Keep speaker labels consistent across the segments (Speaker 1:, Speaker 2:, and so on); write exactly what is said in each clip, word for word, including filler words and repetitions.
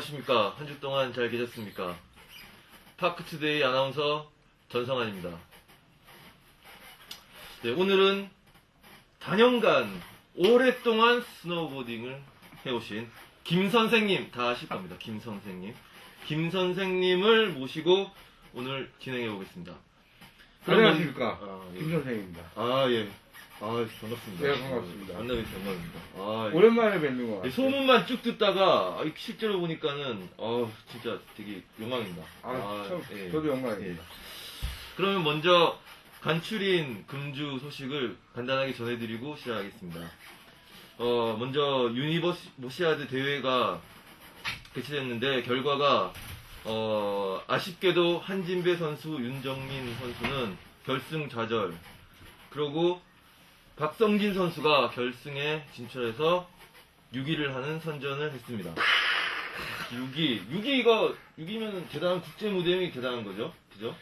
Speaker 1: 안녕하십니까. 한 주 동안 잘 계셨습니까? 파크투데이 아나운서 전성환입니다. 네, 오늘은 다년간 오랫동안 스노우보딩을 해오신 김 선생님, 다 아실 겁니다. 김 선생님. 김 선생님을 모시고 오늘 진행해 보겠습니다.
Speaker 2: 안녕하십니까.
Speaker 1: 아, 예.
Speaker 2: 김 선생입니다.
Speaker 1: 아, 예. 아, 반갑습니다.
Speaker 2: 네, 반갑습니다.
Speaker 1: 만나뵈서 영광입니다. 아, 예.
Speaker 2: 오랜만에 뵙는 것 같아요.
Speaker 1: 소문만 쭉 듣다가 아, 실제로 보니까는 어, 진짜 되게 영광입니다.
Speaker 2: 아, 참,
Speaker 1: 예.
Speaker 2: 저도 영광입니다.
Speaker 1: 예. 그러면 먼저 간추린 금주 소식을 간단하게 전해드리고 시작하겠습니다. 어, 먼저 유니버시아드 대회가 개최됐는데 결과가 어, 아쉽게도 한진배 선수, 윤정민 선수는 결승 좌절, 그리고 박성진 선수가 결승에 진출해서 육 위를 하는 선전을 했습니다. 육 위, 육 위가 육 위면 대단한 국제 무대이 대단한 거죠, 그죠?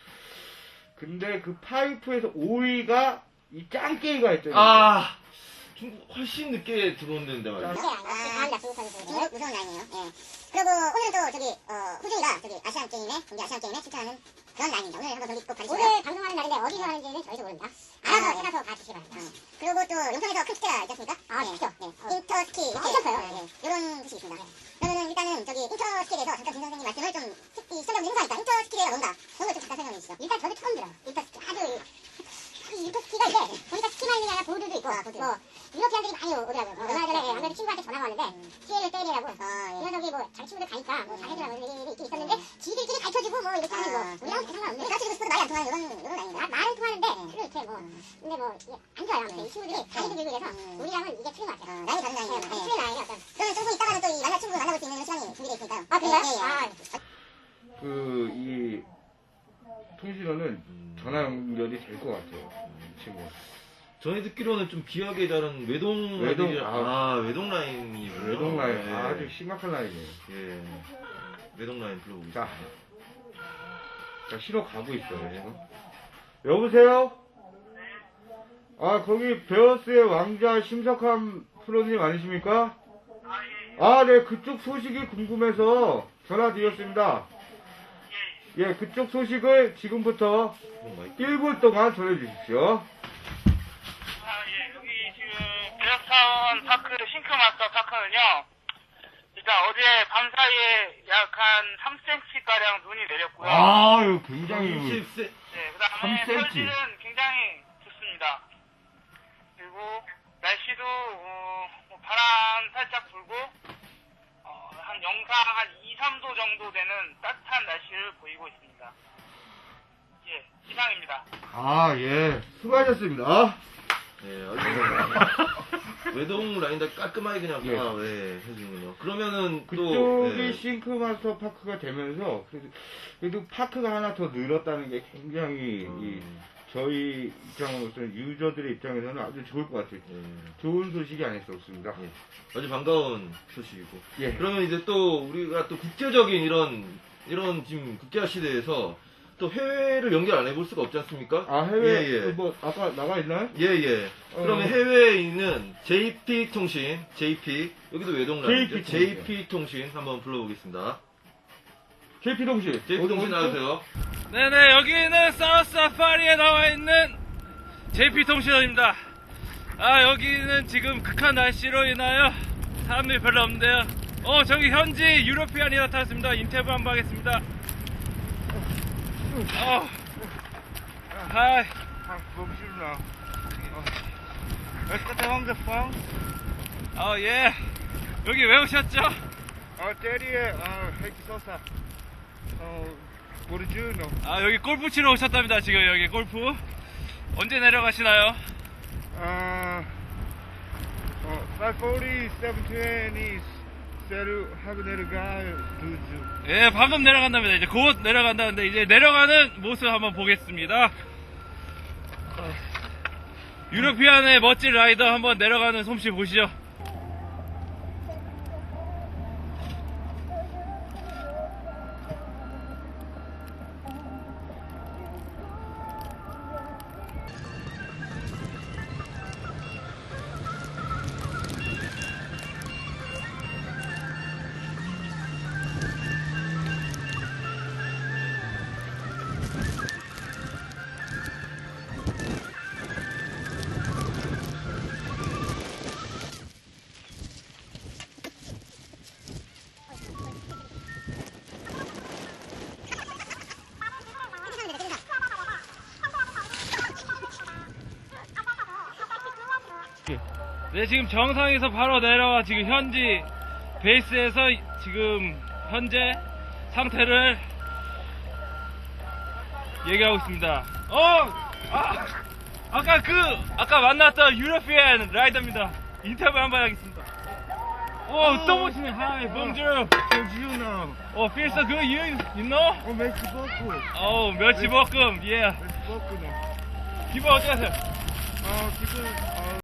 Speaker 2: 근데 그 파이프에서 오 위가 이 짱깨이가 있잖아요.
Speaker 1: 아, 중국 훨씬 늦게 들어온다는데 말이야.
Speaker 3: 네, 아, 중국 선수 중국 무서운 라인이에요. 예. 그리고 오늘은 또 저기 어, 후중이가 저기 아시안 게임에 동계 아시안 게임에 출전하는 그런 라인입니다. 오늘 한번 저기 꼭 가주시고요. 오늘 방송하는 날인데 어디서 하는지는 저희도 모릅니다. 알아서 아, 찾아서 가주시기 바랍니다. 어. 그리고 또 용성에서 큰 스키가 있지 않습니까? 아, 네. 네. 어. 인터스키 이렇게 아, 있어요. 네. 이런 뜻이 있습니다. 네. 그러면은 일단은 저기 인터스키에 대해서 잠깐 김 선생님 말씀을 좀 이 시청자분들 행사니까 인터스키가 뭔가 그런 걸 좀 잠깐 설명해 주시죠. 일단 저도 처음 들어요. 인터스키 아주 이 인터스키가 이제 보니까 스키만 있는 게 아니라 보드도 있고 아, 보드. 뭐 유러피안들이 많이 오더라고요. 어, 얼마 전에 안 그래도 친구한테 전화가 왔는데 시에를 때리라고 아, 예. 이 녀석이 뭐 자기 친구들 가니까 뭐 잘해주라고 이런 일이 있긴 있었는데 지들끼리 가르쳐주고 뭐 이렇게 하는 거 우리랑 상관없는데 가르쳐주고 싶어도 말이 안 통하는 이런 이런 아닌가? 말은 통하는데 별로 이렇게 뭐 근데 뭐 안 좋아요. 아무튼 이 친구들이 자기도 들고 이래서 우리랑은 이게 틀린 것 같아요. 라인이 다른 라인이에요. 네, 틀린 라인이 어떤 그러면 조금 있다가는 또 이 만날 친구 만나볼 수 있는 시간이 준비되어 있으니까요. 아 그래요? 예, 예. 아.
Speaker 2: 그, 이, 통신원은 전화 연결이 될 것 같아요. 이 친구.
Speaker 1: 전에 듣기로는 좀 귀하게 자른 외동
Speaker 2: 외동,
Speaker 1: 라인이-
Speaker 2: 아.
Speaker 1: 아, 외동 라인이
Speaker 2: 외동 라인,
Speaker 1: 예.
Speaker 2: 아주 심각한 라인이에요.
Speaker 1: 예. 외동 라인 불러보겠습니다.
Speaker 2: 자, 자, 신호 가고 있어요, 지금. 여보세요? 아, 거기 베어스의 왕자 심석함 프로님 아니십니까? 아, 네, 그쪽 소식이 궁금해서 전화드렸습니다. 예, 그쪽 소식을 지금부터 일 분 동안 전해주십시오.
Speaker 4: 아, 예, 여기 지금 베어스타운 파크 싱크마스터 파크는요, 일단 어제 밤사이에 약 한 삼 센티미터가량 눈이 내렸고요.
Speaker 2: 아유, 굉장히.
Speaker 1: 삼십 세.
Speaker 4: 네, 그 다음에
Speaker 2: 삼 센티미터.
Speaker 4: 설질은 굉장히 좋습니다. 그리고 날씨도, 어, 뭐 바람 살짝 불고, 어, 한 영상 한 이, 삼 도 정도 되는 따뜻한 날씨를 보이고 있습니다. 예, 이상입니다.
Speaker 2: 아, 예. 수고하셨습니다.
Speaker 1: 예, 알겠습니다. 외동 라인 다 깔끔하게 그냥
Speaker 2: 예.
Speaker 1: 아, 예, 해주는군요. 그러면은 또
Speaker 2: 그쪽이
Speaker 1: 예.
Speaker 2: 싱크마스터 파크가 되면서, 그래도, 그래도 파크가 하나 더 늘었다는 게 굉장히, 이,
Speaker 1: 음,
Speaker 2: 저희 입장으로서는, 유저들의 입장에서는 아주 좋을 것 같아요.
Speaker 1: 예.
Speaker 2: 좋은 소식이 아닐 수 없습니다.
Speaker 1: 예. 아주 반가운 소식이고.
Speaker 2: 예.
Speaker 1: 그러면 이제 또 우리가 또 국제적인 이런 이런 지금 국제화 시대에서 또 해외를 연결 안 해볼 수가 없지 않습니까?
Speaker 2: 아, 해외,
Speaker 1: 예, 예.
Speaker 2: 뭐, 아까 나가 있나요?
Speaker 1: 예, 예.
Speaker 2: 어.
Speaker 1: 그러면 해외에 있는 제이피 통신, 제이피, 여기도 외동 라인이죠.
Speaker 2: 제이피
Speaker 1: 제이피 통신 한번 불러보겠습니다.
Speaker 2: 케이피 동시.
Speaker 1: 제이피 통신 나와주세요.
Speaker 5: 네네, 여기는 사우스 사파리에 나와 있는 제이피 통신원입니다. 아, 여기는 지금 극한 날씨로 인하여 사람들이 별로 없는데요. 어, 저기 현지 유로피안이 나타났습니다. 인터뷰 한번 하겠습니다. 어, 하이. 어, 예. 여기 왜 오셨죠?
Speaker 2: 아, 때리에, 아, 헤이키 소사. 어, 모르주노.
Speaker 5: 아, 여기 골프 치러 오셨답니다. 지금 여기 골프. 언제 내려가시나요?
Speaker 2: 아, 어, 파이브사십, 칠백이십, 세루 하고 내려가요, 루즈.
Speaker 5: 예, 방금 내려간답니다. 이제 곧 내려간다는데, 이제 내려가는 모습 한번 보겠습니다. 유로피안의 멋진 라이더 한번 내려가는 솜씨 보시죠. 네, 지금 정상에서 바로 내려와 지금 현지 베이스에서 지금 현재 상태를 얘기하고 있습니다. 어! 아! 아까 그, 아까 만났던 유러피안 라이더입니다. 인터뷰 한번 하겠습니다. 오, 또 보시네. Hi, bonjour.
Speaker 2: you know.
Speaker 5: 어, feel so good. You, you know?
Speaker 2: 어, merci beaucoup.
Speaker 5: 어, 멸치볶음. Yeah.
Speaker 2: merci beaucoup.
Speaker 5: 기분 어떻게 하세요?
Speaker 2: 어, 지금 어,